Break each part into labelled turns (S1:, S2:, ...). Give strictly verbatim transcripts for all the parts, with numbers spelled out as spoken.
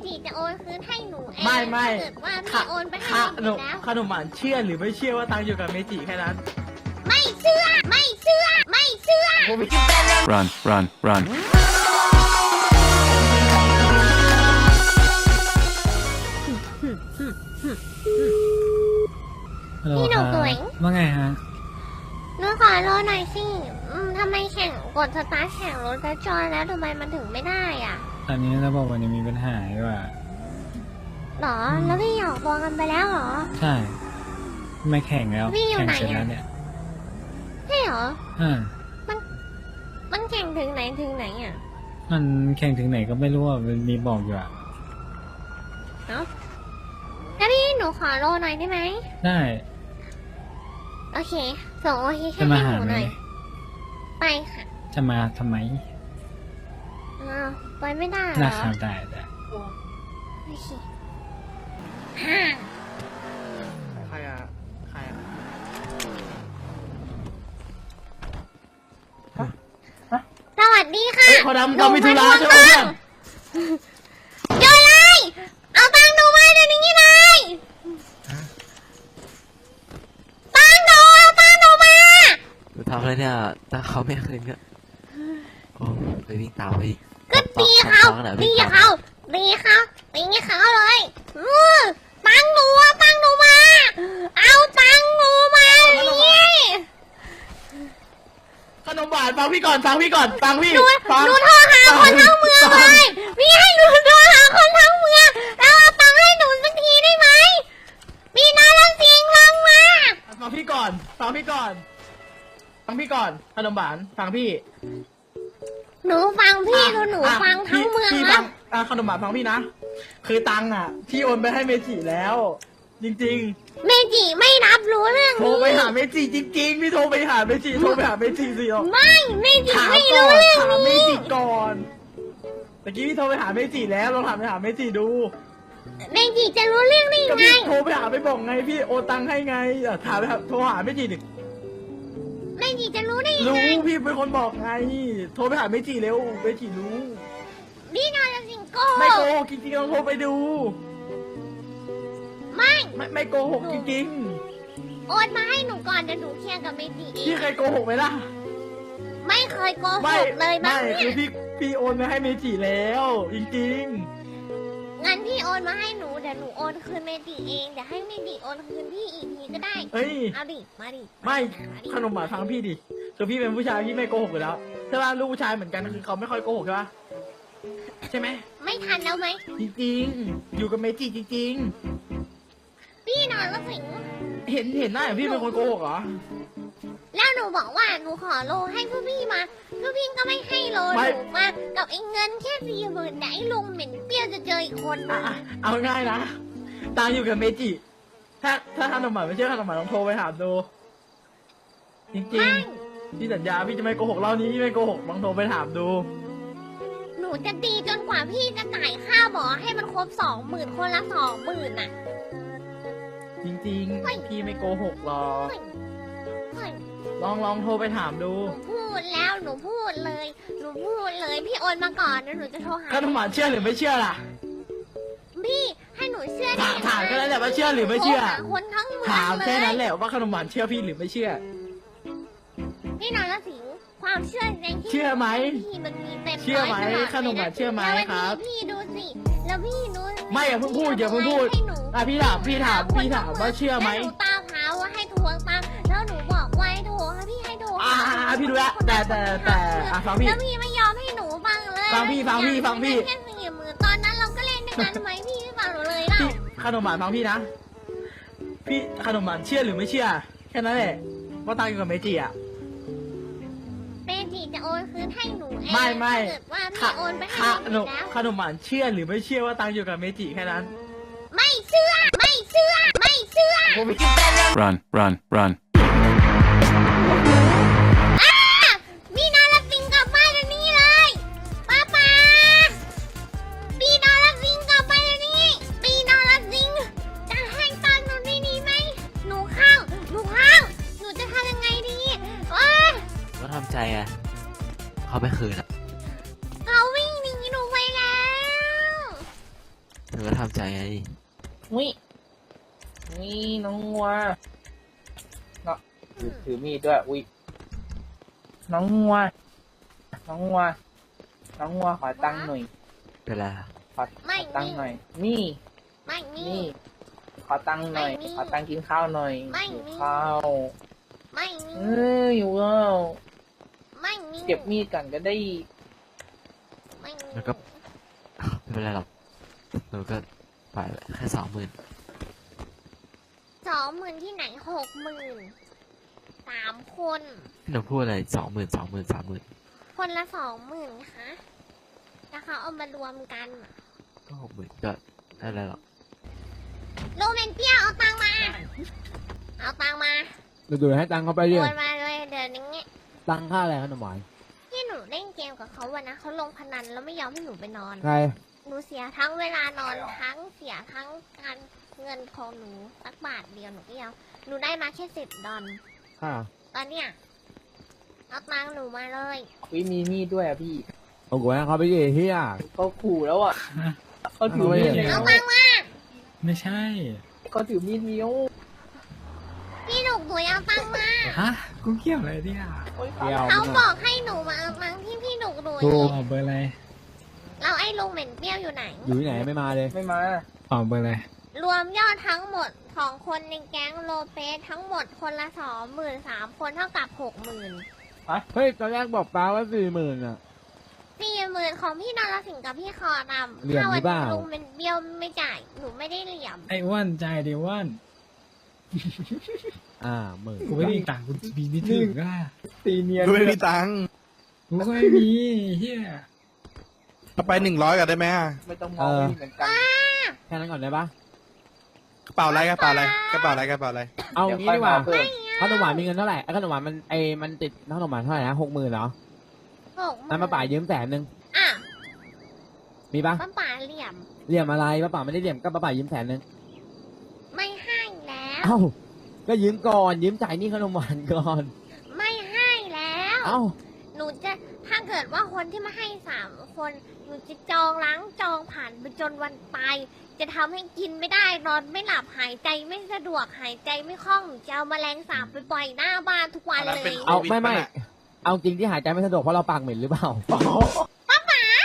S1: จิจะโอนคืนให้หนูเอง
S2: ไม่ไม่
S1: ถ้าเกิดว่าพี่โอนไปให้
S2: ข
S1: เม
S2: น
S1: จิ
S2: ม
S1: แล้ว
S2: ขนมหวานเชื่อหรือไม่เชื่อว่าตังค์อยู่กับเมจิแค่นั้น
S1: ไม่เชื่อไม่เชื่อไม่เชื่อ
S3: Run, run, run.
S4: ฮัลโหล
S1: พี่ห
S4: ค
S1: นู
S4: รับ
S1: สวย
S4: ว่าไงฮะ
S1: หนูขอรอหน่อยสิอืมทำไมแข่งกดสตาร์ทแข่งรถกระจอยแล้วทำไมมันถึงไม่ได้อ่ะ
S4: ตอนนี้ระบบมันยังมีปัญหาอยู่อ่ะ
S1: หรอแล้วพี่หยอกตัวกันไปแล้วเหรอ
S4: ใช่ไม่แข่งแล้ว
S1: พี่อยู่
S4: แข่ง
S1: ไหน
S4: เสร็จ
S1: อะ
S4: แล้วเนี่ย
S1: ใช่เหรอ
S4: อ่า
S1: มันแข่งถึงไหนถึงไหนอ่ะ
S4: มันแข่งถึงไหนก็ไม่รู้อ่ะมันมีบอกอยู่อ่ะ
S1: เอ้าแล้วพี่หนูขอรอหน่อยได้ไหม
S4: ได้
S1: โอเคส่งโอเคแค่
S4: จะมา
S1: ให้
S4: หา
S1: หนู
S4: ไหม
S1: หน่อยไปค่ะ
S4: จะมาทำไม
S1: อ้าวไปไม่ได้เหร
S4: รา
S1: อ
S4: คาได้แต่
S1: โอเคฮ่า
S2: ใครอะใครอะ
S1: สวัสดีค่ะ
S2: เฮ้ยเขาดำเขามีธุระใช่ไหมเพื่อน
S1: โยนเลยเอาตังค์หนูมาเดี๋ยวนี้เลยตังค์หนูเอาตังค์หนูมา
S5: หนูทำอะไรเนี่ยถ้าเขาไม่คืนก็โอ้ไปวิ่งตามไปอีก
S1: ก็ตีเขา
S5: ตบๆๆๆ
S1: ตี
S5: วิ่งตม
S1: เขาตีเขาตีเขาเลยอือตังค์หนูเอาตังค์หนูมา เอาตังค์หนูมานี่
S2: ขนมหวานฟังพี่ก่อนฟังพี่ก่อนฟังพี่
S1: หนู
S2: ฟัง
S1: หนูโทรหาคนทั้งเมืองเลยพี่ให้หนูโทรหาคนทั้งเมืองแล้วเอาตังค์ให้หนูสักทีได้ไหมมีน้าละเสียงลงมา
S2: ฟังพี่ก่อนฟังพี่ก่อนฟังพี่ก่อนขนมหวานฟังพี่
S1: หนูฟังพี่หนู
S2: อ่ะ
S1: หนู
S2: อ่ะ
S1: ฟังทั้ง
S2: พี่
S1: เมือง
S2: พี่
S1: นะ
S2: ฟังอ่ะขนมหวานฟังพี่นะคือตังค์อ่ะพี่โอนไปให้เมจิแล้ว จริง
S1: เมจิไม่รับรู้เรื่อง
S2: ๆ โทร
S1: นี้
S2: ไปหาเมจิจริงๆพี่โทรไปหาเมจิโทรไปหาเมจิสิอ๋อ
S1: ไม่เมจิ
S2: ถาม
S1: ไม่
S2: ก่อ
S1: รู้
S2: น
S1: เรื่อง
S2: ถามเม
S1: นี้
S2: จิก่อนตะกี้พี่โทรไปหาเมจิแล้วลองถามไปหาเมจิดู
S1: เมจิจะรู้เรื่องได้
S2: ก็
S1: ไง
S2: พี่โทรไปหาไปบอกไงพี่โอนตังค์ให้ไงอ่ะถามไปหาโทรหาเมจิดิ
S1: เมจิจะรู้ได้ยัง
S2: รู้
S1: ไง
S2: พี่เป็นคนบอกไง โทรไปหาเมจิเร็วเมจิรู้
S1: พี่นอนกับสิงโก้
S2: ไม่โกหกจริงๆลองโทรไปดู
S1: ไม่
S2: ไม่ไม่โกหกจริง
S1: โอนมาให้หนูก่อนเดี๋ยวหนูเคลียร์กับเมจิ
S2: ๆ
S1: เอ
S2: พี่
S1: ง
S2: เคยโกหกไหมล่ะ
S1: ไม่เคยโกห
S2: ไม่
S1: กเลยบ้า
S2: ไม่
S1: ง
S2: คื
S1: เนี่
S2: อย พี่พี่โอนไปให้เมจิแล้ว จริง
S1: งั้นพี่โอนมาให้หนูเดี๋ยวหนูโอนคืนเมจิเองเดี๋ยวให้เมจิโอนคืนพี่อีกทีก็ได้
S2: ๆ เอ้ย
S1: เอาดิมาดิ
S2: ไม่ขนมหวานฟังพี่ดิคือพี่เป็นผู้ชายพี่ไม่โกหกอยู่แล้วใช่ป่ะลูกผู้ชายเหมือนกันคือเขาไม่ค่อยโกหกใช่ป่ะใช่ไหม
S1: ไม่ทันแล้วไหม
S2: จริงๆ อยู่กับเมจิจริง
S1: พี่นอนกับสิง
S2: ๆ เห็นเห็นหน้าอย่างพี่เป็นคนโกหกเหรอ
S1: แล้วหนูบอกว่าหนูขอโลให้พวกพี่มาพวกพี่ก็ไม่ให้โลห
S2: ไม่
S1: นูมากับไอ้เงินแค่สี่หมื่นไหนลุงเหม็นเปรี้ยวจะเจออีกคนนึ
S2: อ่ะ
S1: ง
S2: อ่ะเอาง่ายนะตังอยู่กับเมจิ ถ้าถ้าขนมหวานไม่เชื่อขนมหวานลองโทรไปถามดู จริงๆ พี่สัญญาพี่จะไม่โกหกเล่านี้พี่ไม่โกหกลองโทรไปถามดู
S1: หนูจะตีจนกว่าพี่จะจ่ายค่าหมอให้มันครบสองหมื่นคนละสองหมื่นอ่ะ
S2: จริงๆ พี่ไม่โกหกหรอก
S1: เฮ้ยเฮ้ย
S2: ลองลองโทรไปถามดู
S1: หนูพูดแล้วหนูพูดเลย หนูพูดเลยพี่โอนมาก่อนแล้วหนูจะโทรหา
S2: ขนมหวานเชื่อหรือไม่เชื่อล่ะ
S1: พี่ให้หนูเชื่อได้
S2: ถาม
S1: ยังไง
S2: ถามแค่นั้นแหละว่าเชื่อหรือไม่เชื่อ
S1: โทรหาคนทั้งเมือง
S2: ถามแค่นั้น
S1: เลย
S2: แหละว่าขนมหวานเชื่อพี่หรือไม่เชื่อ
S1: พี่นอนละสิงความเชื่อในที่
S2: เชื่อไหม
S1: พี่มันมีเต็ม
S2: เชื่อไหม
S1: ร้ยตลด
S2: ขนมหวานเชื่อไหม
S1: แล้ววันนี้
S2: ครับ
S1: พี่ดูสิ แล้วพี่ดู
S2: ไม่อย่าเพิ่งพูดอย่าเพิ่งพูด
S1: ให้หนู
S2: อ่ะพี่ถามพี่ถามพี่ถามว่าเชื่อไหม
S1: แล้วหนูตามหาว่าให้ทวงตังค์แล้วหนูบอกว่าให้โทรให้พี่ให้โทร
S2: อ่าพี่รู้แล้วแต่แต่แต่อ่ะฟังพี่
S1: แล้วพี่ไม่ยอมให้หนูฟังเลย
S2: ฟังพี่ฟังพี่ฟังพี่
S1: แค่สี่หมื่นตอนนั้นเราก็เล่นด้วยกันไหมพี่ไม่ฟังหนูเลยเล่า
S2: พี่ขนมหวานฟังพี่นะ พี่ขนมหวานเชื่อหรือไม่เชื่อ แค่นั้นแหละว่าตังอยู่กับเมจิอ่ะ
S1: เมจิจะโอนคืนให้หนูเอง
S2: ไม่ไม่
S1: ถ้าเกิดว่าพี่โอนไปให้
S2: ข
S1: เม
S2: น
S1: จิ
S2: ม
S1: แล้ว
S2: ขนมหวานเชื่อหรือไม่เชื่อว่าตังอยู่กับเมจิแค่นั้น
S1: ไม่เชื่อ ไม่เชื่อ ไม่เชื่อ
S3: Run, run, run.
S1: อ้าพี่นอนรับสิงกลับบ้านเดี๋ยวนี้เลยป้าป้าพี่นอนรับสิงกลับบ้านเดี๋ยวนี้พี่นอนรับสิงจะให้ตังค์หนูได้ดีไหมหนูเข้าหนูเข้าหนูจะทำยังไงดีโอ๊ย
S5: ก็ทำใจไงเขาไม่คืนอ่ะ
S1: เขาวิ่งหนีหนูไปแล้ว
S5: หนูก็ทำใจไง
S2: วินี่น้องวัวเนาะถือถือมีดด้วยวิน้องวัวน้องวัวน้องวัวขอตังค์หน่อย
S5: เป็นไร
S2: ขอขอตังค์หน่อย นี่
S1: ไม่มี
S2: นี่ ขอตังค์หน่อย
S1: ไม่มี
S2: ขอตังค์กินข้าวหน่อย
S1: ไม่
S2: หิว
S1: มี
S2: ข้าว
S1: ไม่มี
S2: เอออยู่แล้ว
S1: ไม่มี
S2: เก็บมีดกันก็ได้
S1: ไม่มี
S5: แล้วก็ไม่เป็นไรหรอกหนูก็ไปแค่สองหมื่น
S1: สองหมื่นที่ไหนหกหมื่นสามคน
S5: หนูพูดอะไรสองหมื่นสองหมื่นสามหมื่น
S1: คนละสองหมื่นคะแล้วเขาเอามารวมกัน
S5: ก็หกหมื่นก็ได้แล้วหรอก
S1: โรแมนเปียวเอาตังค์มา เอาตังค์มา
S6: ดูดูให้ตังค์เขาไป
S1: โอ
S6: ดิ
S1: นมาเลยเดี๋ยวนี้
S6: ตังค่าอะไรขนมหวาน
S1: ที่หนูเล่นเกมกับเขาวันนะเขาลงพนันแล้วไม่ยอมให้หนูไปนอน
S6: ใคร
S1: หนูเสียทั้งเวลานอนทั้งเสียทั้งการเงินของหนูสักบาทเดียวหนูก็ยอมหนูได้มาแค่สิบดอล
S6: ค่า
S1: ตอนเนี้ยเอาตังค์หนูมาเลย
S2: วิมีมีดด้วยอ่ะพี่
S6: เอากูให้เขาไปดิเฮีย
S2: เขาขู่แล้วอ่ะเขาถือมีด
S6: เอาไว้
S1: เอาตังค์มา
S4: ไม่ใช่
S2: เขาถือมีดเมียว
S1: พี่หนูหนูเอาตังค์มา
S4: ฮะ กูเกี่ยวอะไรเนี่ย
S2: โอ๊ย
S6: เดียว
S1: เขา
S6: มึง
S1: บ
S6: อะ
S1: อกให้หนูมาเอาตังค์ที่พี่หนูหนู
S6: ถูก
S4: ออกเบอร์อะไร
S1: แล้วไอ้ลุงเหม็นเปรี้ยวอยู่ไหน
S6: อยู่ที่ไหนไม่มาเลย
S2: ไม่มา
S4: ออกเบอร์อะไร
S1: รวมยอดทั้งหมดของคนในแก๊งโลเปสทั้งหมดคนละสองหมื่นสามคนเท่ากับหกหมื่น
S6: เฮ้ยตอนแรกบอกป้าว่าสี่หมื่นอ่ะ
S1: สี่หมื่นของพี่นรสิงห์กับพี่คอดำ
S6: เหลี่ยม
S1: ถ้า
S6: หรื
S1: วั
S6: อเปล่า
S1: ลุงเป็นเบี้ยวไม่จ่ายหนูไม่ได้เหลี่ยม
S4: ไอ้อ้วนใจายดิอ้วน
S6: อ่าหมื่น
S4: กูไม่มีตังค์กูมีไม่ถึงอ่ะ
S2: ตีเนียน
S7: กูไม่มีตังค์
S4: กูก็ไม่มีเฮีย
S7: เอาไปหนึ่งร้อยกันได้ไหมอะ
S2: ไม่ต้องมองไม่เหมือนกัน
S6: แค่นั้นก่อนได้ปะ
S7: กระเป๋าอะไรกระเป๋าอะไรกระเป๋าอะไรกระเป๋าอะไร
S6: เอางี้ดีกว่า
S2: เพิ่ม
S6: ขนมหวานมีเงินเท่าไหร่ไอ้ขนมหวานมันไอ้มันติดขนมหวานเท่าไหร่นะหกหมื่นเหรอ
S1: หกหมื่
S6: นั้นมาป่ายืมแสนหนึ่ง
S1: อ่ะ
S6: มีปะ
S1: ป้าป๋าเหลี่ยม
S6: เหลี่ยมอะไรป้าป่าไม่ได้เหลี่ยมก็ป้าป่ายืมแสนหนึ่ง
S1: ไม่ให้แล้ว
S6: เอ้าก็ยืมก่อนยืมจ่ายหนี่ขนมหวานก่อน
S1: ไม่ให้แล้ว
S6: เอ้า
S1: หนูจะถ้าเกิดว่าคนที่มาให้สามคนหนูจะจองล้างจองผ่านไปจนวันตายจะทำให้กินไม่ได้นอนไม่หลับหายใจไม่สะดวกหายใจไม่คล่องหนูจะเอาแมลงสาบไปปล่อยหน้าบ้านทุกวัน
S7: อันนั้น
S1: เล
S7: เป็น
S1: ย
S6: เอา
S7: โควิด
S6: ไม่ไม่
S7: ปะน่ะ
S6: เอาจริงที่หายใจไม่สะดวกเพราะเราปากเหม็นหรือเปล่าป้าป๋า
S1: ป้า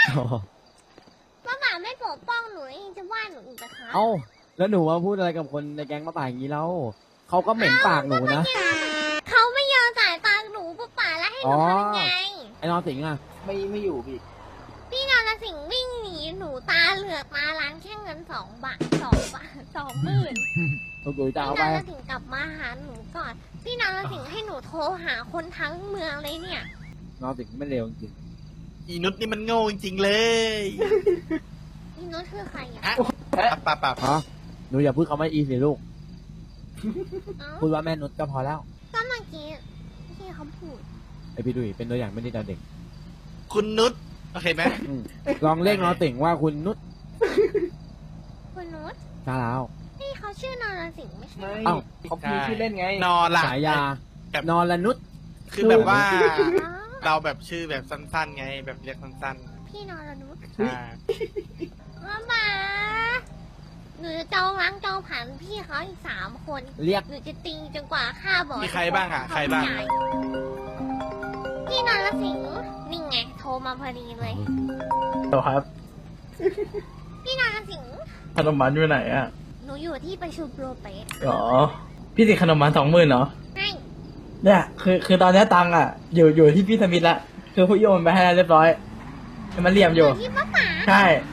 S1: ป๋าไม่ปกป้องหนูเองจะว่าหนูอีกนะคะ
S6: เอ้าแล้วหนูว่าพูดอะไรกับคนในแก๊งป้าป่าอย่างนี้แล้วเขาก็เหม็นปากหนูนะ
S1: เขาไม่ยอมจ่ายตังค์หนูป้าป๋าแล้วให้หนูทำยังไง
S6: ไอ้นอนสิงห์อ่ะ
S2: ไม่ไม่อยู่พี่
S1: พี่นรสิงห์วิ่งหนีหนูตาเหลือกตาล้างแค่เงินสองบาทสองบาทสองหมื่น
S6: ตัวกุยจะ
S1: พี่
S6: เอา
S1: น
S6: ไป
S1: รสิงห์กลับมาหาหนูก่อน พี่นรสิงห์ให้หนูโทรหาคนทั้งเมืองเลยเนี่ย
S6: นอนสิงห์ไม่เร็วจริง
S7: อีนุชนี่มันโง่จริงๆเลย
S1: พี่นุชคือใครอ่ะ
S7: ฮะปับปับปับ
S6: ๆฮะหนูอย่าพูดคำว่าอีสิลูก
S1: เอ้า
S6: พูดว่าแม่นุชก็พอแล้ว
S1: ก็เมื่อกี้ที่เขาพูด
S6: ไอพี่ดุยเป็นตัวอย่างไม่ดีต่อเด็ก
S7: คุณนุชโอเคไหม
S6: อืมลองเรียกนอนสิงห์ว่าคุณนุช
S1: คุณนุช
S6: ช้าแล้ว
S1: นี่เขาชื่อนรสิงห์ไม่ใช่
S2: ไม่
S6: เอ้า
S2: เขาพูดชื่อเล่นไง
S7: นอนล่ะ
S6: ฉายา
S7: แบบ
S6: นอนละนุช
S7: คือแบบว่า
S1: อ๋อ
S7: เราแบบชื่อแบบสั้นๆไง แบบเรียกสั้น
S1: พี่นรนุช
S7: ๆใช่
S1: มามาหนูจะจองล้างจองผ่านพี่เขาอีกสามคน
S6: เรียก
S1: หนูจะตีจนกว่าค่าบอ
S7: มีใครบ้างอ่ะ ใครบ้าง
S1: จ่ายพี่นรสิงห์นี่ไงโทรมาพอดีเลย
S2: ต่อครับ
S1: พี่นรสิงห์
S2: ขนมหวานอยู่ไหนอ่ะ
S1: หนูอยู่ที่ประชุมโรเปส
S2: อ๋อ พี่ติดขนมหวานสองหมื่นเหรอ
S1: ให้
S2: เนี่ยคือคือตอนนี้ตังค์อ่ะ อยู่อยู่ที่พี่สมิธละคือผู้โยนไปให้แล้วเรียบร้อยมันเหลี่ยมอ
S1: อยู่ ยู่ที่ป้าป๋า
S2: ใช่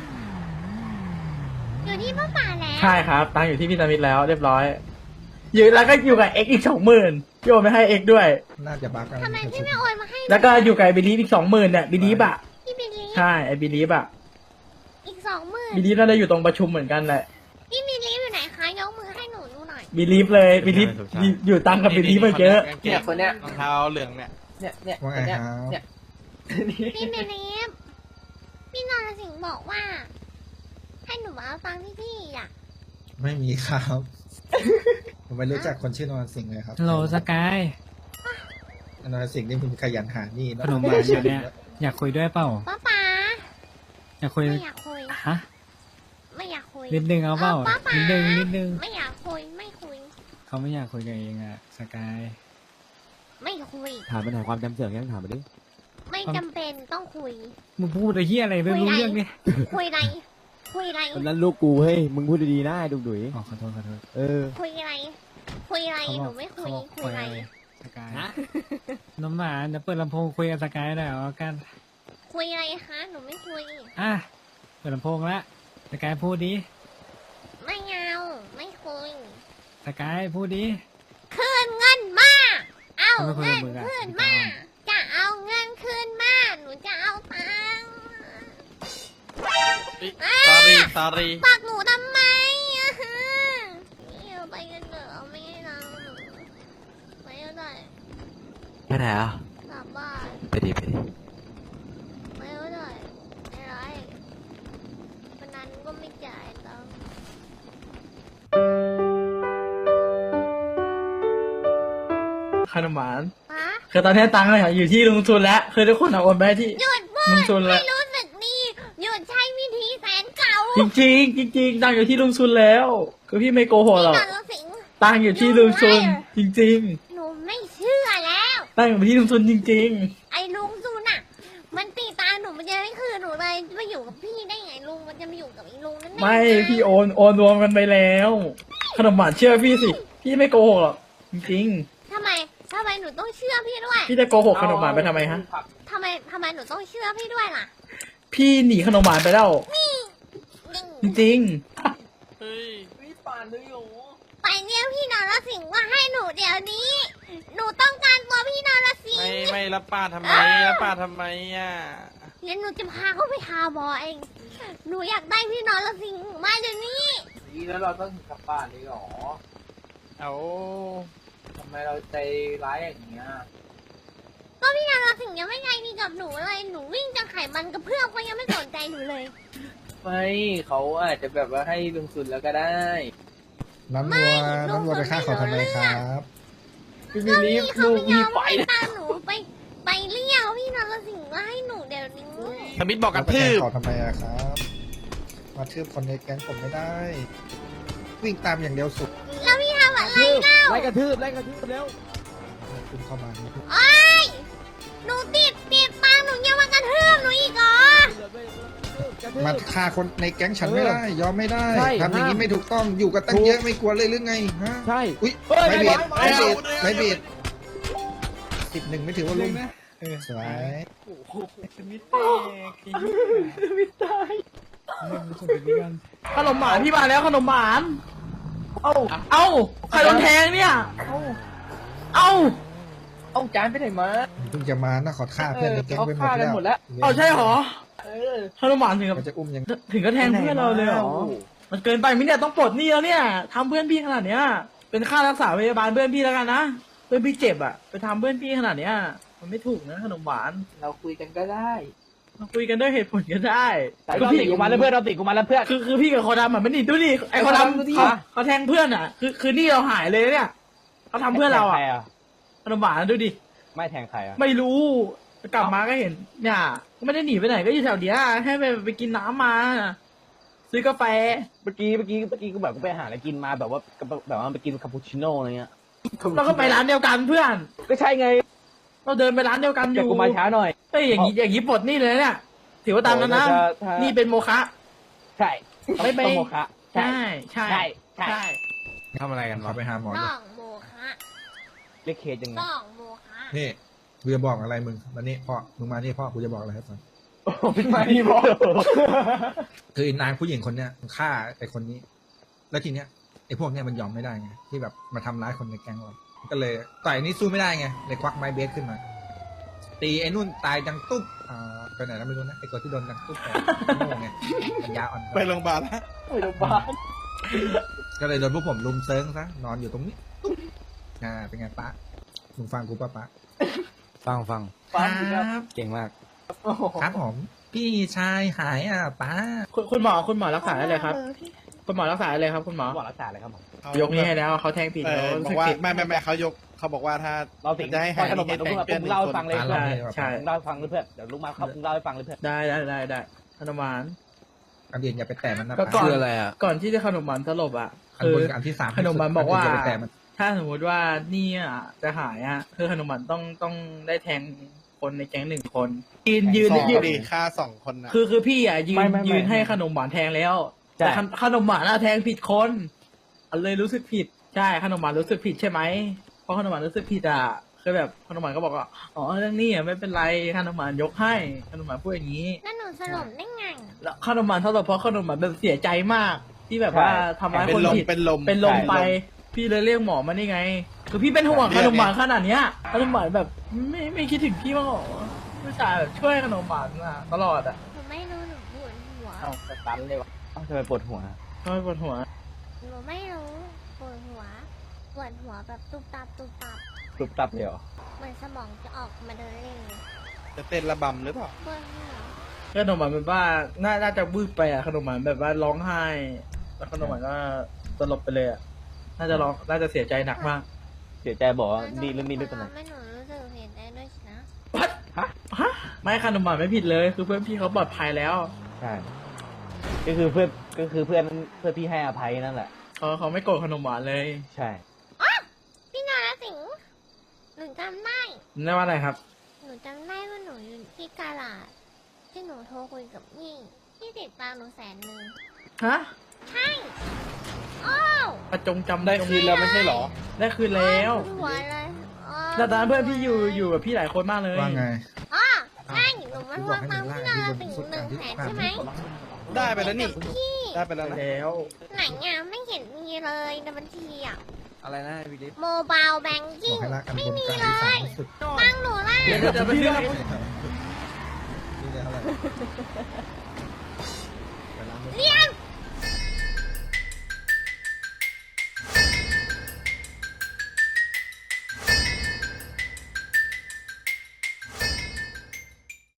S1: อยู่ที่ป้าป๋าแล้ว
S2: ใช่ครับ ตังค์อยู่ที่พี่สมิธแล้วเรียบร้อย อยู่แล้วก็อยู่กับเอ็กอีกสองหมื่นโยนไปให้เอ็กด้วย
S7: น่าจะบักกัน
S1: ทำไมพี่ไม่โอนมาให้
S2: แล้วก็อยู่กับไอ้บิลีฟอีกสองหมื่นเนี่ยบิลีฟอ่ะ
S1: พี่บิลลี่
S2: ใช่ไอ้บิลีฟอ่ะ
S1: อีกสองหมื่น
S2: บิลีฟน่าจะอยู่ตรงประชุมเหมือนกันแหละ
S1: พี่บิลลี่อยู่ไหนคะยกมือให้หนูดูหน่อย
S2: บิลีฟเลยบิลีฟอยู่ตังค์กับบิลีฟมาเยอะ
S7: เนี่ยคนเนี้ยรองเท้าเหลืองเนี่ย
S2: เนี่ยเนี่ย
S7: ว่าไงครับ
S2: เนี่ย
S1: พี่บิลลี่พี่นรสิงห์บอกว่า ให้หนูมาเอาตังค์ที่พี่อ่ะ
S8: ไม่มีครับ ผมไม่รู้จักคนชื่อนอนสิงห์เลยครับ
S4: ฮัลโหลสกาย
S8: นอนสิงห์นี่มันขยันหานี่
S4: ขนมหวานอยู่เนี่ย อยากคุยด้วยเปล่า
S1: ป้าป๋า
S4: อยากคุย
S1: ไม่อยากคุย
S4: ฮะ
S1: ไม่อยากอยากคุย
S4: นิดนึงเอาเปล่า
S1: ป้าป๋า
S4: นิดนึงนิดนึง
S1: ไม่อยากคุยไม่คุย
S4: เขาไม่อยากคุยกับเองอะสกาย
S1: ไม่คุย
S6: ถามปัญหาความจำเสื่อมยังถามมาดิ
S1: ไม่จำเป็นต้องคุย
S4: มึงพูดไอ้เหี้ยอะไรไม่รู้เรื่องเนี่ย
S1: คุยอะไร คุยอะไร
S6: คนนั้นลูกกูเฮ้ยมึงพูดดีๆนะไอ้ดุกดุย
S4: อ๋อขอโทษขอโทษ
S6: เออ
S1: คุยอะไร คุยอะไร
S4: เขา
S1: ห
S4: บ
S1: นู
S4: อก
S1: ไม่คุ
S4: เขา
S1: ย
S4: บอก
S1: คุยอะไร
S4: สกายน้องหมาเดี๋ยวเปิดลำโพงคุยกับสกายหน่อยเอากัน
S1: คุยอะไรคะ หนูไม่คุย
S4: อ่ะเปิดลำโพงละสกายพูดดิ
S1: ไม่เอาไม่คุย
S4: สกายพูดดิ
S1: คืนเงินมา เอา
S4: ไม่คุย
S1: เงิ
S4: กับ
S1: น
S4: มึงอะ
S1: คืนมา จะเอาเงินคืนมา หนูจะเอาตังค์
S7: สอรี่สอรี่
S1: ฝากหนูทำไมอะฮะนี่เอาไปกันเถอะเอาไม่ให้เราหนูไม่เอาได้
S5: ไปไหนอ่ะ
S1: กลับบ้าน
S5: ไปดิไปดิ
S1: ไม่เอาได้ไม่ไรวันนั้นก็ไม่จ่ายตังค์
S2: ขนมหวาน
S1: ฮะ
S2: คือตอนนี้ตังค์เนี่ยอยู่ที่ลุงทุนแล้วคือทุกคนเอาโอนไปให้ที่
S1: หยุดพู
S2: ลุ
S1: ด
S2: งทุนแล้ว
S1: ให้รู้สึกดีหยุดใช้วิธีแสนเก่า
S2: จริงๆจริงๆตังค์อยู่ที่ลุงทุนแล้ว คือพี่ไม่โกหกหรอก
S1: พี่นรสิงห์
S2: ตังค์อยู่ที่ลุงทุนจริง
S1: หนูไม่เชื่อแล้ว
S2: ๆตังค์อยู่ที่ลุงทุนจริง
S1: ไอ้ลุงซูน่ะ มันตีตาหนูมันจะไม่คืนหนูเลยมาอยู่กับพี่ได้ไงลุงมันจะมาอยู่กับไอ้ลุงนั่น
S2: ๆ ไม่พี่โอนโอนรวมกันไปแล้ว ขนมหวานเชื่อพี่สิพี่ไม่โกหกหรอกจริง
S1: ทำไมทำไมหนูต้องเชื่อพี่ด้วย
S2: ๆพี่จะโกหกขนมหวานไปทำไมฮะ
S1: ทำไมทำไมหนูต้องเชื่อพี่ด้วยล่ะ
S2: พี่หนีขนมหวานไปแล้ว จริง
S7: เฮ้ย
S1: ไปเรียกพี่นรสิงห์ว่าให้หนูเดี๋ยวนี้ หนูต้องการตัวพี่นรสิง
S7: ไม่
S1: ห์
S7: ไม่รับป้าทำไมรับป้าทำไมอ่ะ
S1: เดี๋ยวหนูจะพาเขาไปหาหมอเอง หนูอยากได้พี่นรสิงห์มาเดี๋ยวนี้
S2: ๆนี่แล้วเราต้องกลับบ้านเลยหรอ
S7: เอา
S2: ทำไมเราใจร้ายอย่างเงี้ย
S1: ก็พี่นรสิงห์ยังไม่ใจดีกับหนูเลย หนูวิ่งจะไขมันกระเพื่อมก็ยังไม่สนใจหนูเลย
S2: ไม่เขาอาจจะแบบว่าให้ลุงทุนแล้วก็ได้
S8: น้ำวัวน้ำวัวไปฆ่าเขาทำไมครับ
S2: พี่มีลิฟ
S1: พี่
S2: ต์
S1: เขา
S2: ลูก
S1: ไม่ย
S2: มี
S1: อม
S2: ไฟ
S1: ให้ตามหนูไปไปเรียกพี่นรสิงห์มาให้หนูเดี๋ยวนี้
S7: สมิธบอกกระ
S8: ไปแท
S7: ทื
S8: ง
S7: บ
S8: เขาทำไมอะครับ มาทืบคนในแก๊งผมไม่ได้ วิ่งตามอย่างเดียวสุด
S1: แล้วพี่ทำอะไร
S6: ทืบ
S1: เล่า
S6: ไล่กระทืบไล่กระทืบเร็ว
S8: คุณเข้ามานี่
S1: โอ๊ยหนูติดติดตังค์หนูยังมากระทืบหนูอีกเหรอ
S6: กระทืบ
S8: มาฆ่าคนในแก๊งฉันไม่ได้ ยอมไม่ได้
S6: ใช่
S8: ทำอย่างนี้
S6: ห้าม
S8: ไม่ถูกต้องอยู่กันตั้งเยอะไม่กลัวเลยหรือไงฮะ
S6: ใช่
S8: อุ้ย
S6: เฮ้ย
S8: ไม่เบียด
S6: ไม่
S8: ไม่
S6: ไม่
S8: เบียดไม่เบียดสิบหนึ่งไม่ถือว่าลุม
S4: นะเออ
S8: สวย
S4: สมิธแตกไอ้เหี้ย
S2: ไม่ตาย
S4: เล่นสุดไปกัน
S2: ขนมหวานพี่มาแล้วขนมหวาน เอ้า เอ้า ใครโดนแทงเนี่ย เอ้า เอ้า เอาจานไปไหนมา
S8: เพิ่งจะมานะขอฆ่าเพื่อนในแก๊ง
S2: เขา
S8: ไปหม
S2: ฆ่า
S8: ด
S2: กัน
S8: แล้ว
S2: หมดแล้ว เอาใช่เหรอ เออขนมหวานถึงกับ
S8: เขาจะอุ้มยัง
S2: ถึงก็แทงเพื่อนเราเลยเหรอ มันเกินไปไหมเนี่ยต้องปลดหนี้แล้วเนี่ยทำเพื่อนพี่ขนาดเนี้ย เป็นค่ารักษาพยาบาลเพื่อนพี่แล้วกันนะ เพื่อนพี่เจ็บอ่ะ ไปทำเพื่อนพี่ขนาดเนี้ย มันไม่ถูกนะขนมหวาน เราคุยกันก็ได้ เราคุยกันด้วยเหตุผลก็ได้
S6: เราติดกูมาแล้วเพื่อนเราติดกูมาแล้วเพื่อน
S2: คือคือพี่กับคนดำอ่ะมันนี่ดูดิไอ้คนดำเขาเขาแทงเพื่อนอ่ะ คือคือนี่เราหายเลยเนี่ยเขาทำเพื่อนเราอ่ะขนมหวานดูดิ
S6: ไม่แทงใครอ่ะ
S2: ไม่รู้กลับมาก็เห็นเนี่ยก็ไม่ได้หนีไปไหนก็อยู่แถวเนี้ยแค่ไปไปกินน้ำมาซื้อกาแฟ
S6: เมื่อกี้เมื่อกี้เมื่อกี้กูแบบไปหาอะไรกินมาแบบว่าแบบว่าไปกินคาปูชิโน่อะไรเงี้ย
S2: เราก็ไปร้านเดียวกันเพื่อน
S6: ก็ใช่ไง
S2: เราเดินไปร้านเดียวกันอ
S6: แต่
S2: ยู่
S6: กูมาช้าหน่อย
S2: เอ้ยอย่างนี้อย่างนี้ปลดหนี่เลยเนี่ยถือว่าตามกันนะ
S6: โอ้ยถ้าถ้านี่
S2: นี่เป็นโมฆะ
S6: ใช่
S2: ไม่ไป
S6: ต้องโมคะ
S2: ใช่ใช่
S6: ใช่ใช่
S2: ใช่
S7: ทำอะไรกัน
S8: ขอ
S7: วะ
S8: ไปหาหมอ
S1: ต้
S8: เลย
S1: องโมคะ
S6: เรียกเคสยังไง
S1: ต้องโมคะ
S8: นี่กูจะบอกอะไรมึงมานี่พ่อมึงมานี่พ่อกูจะบอกอะไรให้ฟัง
S6: ไม่พี่บอก
S8: คือไอ้นางผู้หญิงคนเนี้ยมันฆ่าไอ้คนนี้ แล้วทีเนี้ยไอ้พวกเนี้ยมันยอมไม่ได้ไงที่แบบมาทำร้ายคนในแก๊งเราก็เลยต่อยนี้สู้ไม่ได้ไงเลยควักไม้เบสขึ้นมา ตีไอ้นุ่นตายดังตุ๊บอ่าไปไหนแล้วไม่รู้นะไอ้ตัวที่โดนดังตุ๊บไปโง่ไงปัญญาอ่อน
S7: ไปโรงพยาบาลแล้ว
S2: ไปโรงพยาบาล
S8: ก็เลยโดนพวกผมลุมเซิงซะนอนอยู่ตรงนี้ตุ๊บอ่าเป็นไงป้ามึงฟังกูป้าป้า
S6: ฟังฟัง
S2: ฟัง
S8: ค
S2: ครั
S8: รับ
S6: เก่งมาก
S2: โอ้โห
S8: ครับผมพี่ชายหายอ่ะป้า
S2: คุณคุณหมอคุณหมอรักษาอะไรครับ คุณหมอรักษาอะไรครับ คุณหมอ
S6: บอกรักษาเลยครับผม
S2: ยกนี้ให้แล้วเขาแทงผิด
S7: เอ
S2: เขา
S7: อบอก
S2: สึก
S7: ว่า
S2: ผิด
S7: ไม่ไม่ไม่เขายกเขาบอกว่าถ้า
S6: เราสิง
S7: จะให้หาย
S6: ขนม
S7: ให้
S6: ผม
S7: แทงเพื่อนหนึ่ง
S6: เล่าให้
S7: คน
S6: ฟังเลย
S8: ป้า
S2: ใช่
S8: เล่าให้
S2: ใช่
S6: ผมเล่าให้ฟังเลยเพื่อนเดี๋ยวลุกมาครับผมเล่าให้ฟังเลยเพื่อน
S2: ได้ได้ได้ได้ขนมหวาน
S8: ไปอันเดียนอย่าไปแตะมันนะ
S2: ก็ก่อน
S5: คืออะไรอ่ะ
S2: ก่อนที่จะขนมหวานสลบอ่ะ
S8: อัน
S2: คื
S8: บ
S2: อน
S8: กับอันที่สาม
S2: ขนมหวานบอกว่า
S8: อย่าไปแตะมัน
S2: ถ้าสมมติว่านี่อ่ะจะหายอ่ะคือขนมหวานต้องต้องได้แทงคนในแก๊งหนึ่งคนยืนยืน
S7: สอง
S2: ยืน
S7: ดีค่าสองคนนะ
S2: คือคือพี่อ่ะยื
S6: ไม่
S2: น
S6: ไม่ไม่
S2: ยืนให้ขนมหวานแทงแล้ว
S6: ใช่
S2: แต่ขนขนมหวานอะแทงผิดคนอันเลยรู้สึกผิดใช่ขนมหวานรู้สึกผิดใช่ไหมเพราะขนมหวานรู้สึกผิดอ่ะคือแบบขนมหวานก็บอกว่าอ๋อเรื่องนี้อ่ะไม่เป็นไรขนมหวานยกให้ขนมหวานพูดอย่างนี้
S1: นั่นหนูสลบได้ไง
S2: แล้วขนมหวานเท่าไหร่เพราะขนมหวานแบบเสียใจมาก ที่แบบว่าทำร้าย
S7: เป็
S2: คน น
S7: ลม
S2: ผิด
S7: เป็นลม
S2: เป็นลมไป
S7: ใช่
S2: พี่เลยเรียกหมอมานี่ไง คือพี่เป็นห่วง
S7: เรี
S2: ข
S7: ยก
S2: นมหวาน
S7: ไง
S2: ขนาดเนี้ยขนมหวานแบบไม่ไม่คิดถึงพี่บ้างเหรอผู้ชายแบบช่วยขนมหวานอะตลอดอ่ะ
S1: หนูไม่รู้หนูปวดหัว
S6: เอ้าสตันเลยวะเอ้าทำไมปวดหัว
S2: ทำไมปวดหัว
S1: หนูไม่รู้ปวดหัวปวดหัวแบบตุบตับตุบตับ
S6: กรุบตับเลยเหรอ
S1: เหมือนสมองจะออกมาเดินเล่นเลย
S7: จะเต้นระบำหรือเปล่า
S1: ปวดหัว
S2: ขนมหวานแบบว่าน่าน่าจะวืบไปอ่ะขนมหวานแบบว่าร้องไห้ แล้วขนมหวานก็สลบไปเลยอ่ะน่าจะร้องน่าจะเสียใจหนักมาก
S6: เสียใจบอกว่าดีเรื่องนี้ไม่เป็นไร
S1: ไม่หนูรู้สึกเห็นได้ด้วยสินะ
S2: ฮะไม่ขนมหวานไม่ผิดเลย คือเพื่อนพี่เขาปลอดภัยแล้ว
S6: ใช่ ก็คือเพื่อนก็คือเพื่อนเพื่อนพี่ให้อภัยนั่นแหละ
S2: เขาเขาไม่โกรธขนมหวานเลย
S6: ใช่
S1: พี่นาราสิงห์หนูจำได้
S2: ได้ว่าอะไรครับ
S1: หนูจำได้ว่าหนูอยู่ที่กาลาดที่หนูโทรคุยกับมี่ที่ติดตามหนูแสนหนึ่ง
S2: ฮะ
S1: ใช่โอ้ว
S2: ประจงจำ
S7: ได้คืนแล้วไม่ใช่เหรอ
S2: ได้คืนแล้ว
S1: ปวดหัวเลยอ้อ
S2: แต่ตอนนั้นเพื่อนพี่อยู่อยู่กับพี่หลายคนมากเลย
S8: ว่าไง
S1: อ๋อใช่หนูมาทวงตังค์พี่นาราสิงห์หนึ่งแสนใช่ไหม
S7: ได้ไปแล้วนี่
S1: พี่
S7: ได้ไปแล้วนะ
S2: แล้ว
S1: ไหนอ่ะไม่เห็นมีเลยในบัญชีอ่ะ
S5: อะไรนะวิลลิฟ
S1: โมบายแบง
S8: บ
S1: กิ้
S8: อง กให้ละกัน
S1: ไม่
S8: บน
S1: มี
S8: กับ
S1: เล
S8: อันที่สาม
S1: ย
S8: ที่สุด
S1: ตังค์หนูล่ะ
S2: เดี๋ยวจะไปเรื่อง
S8: นี่เลยเท่าไหร่
S1: เรียก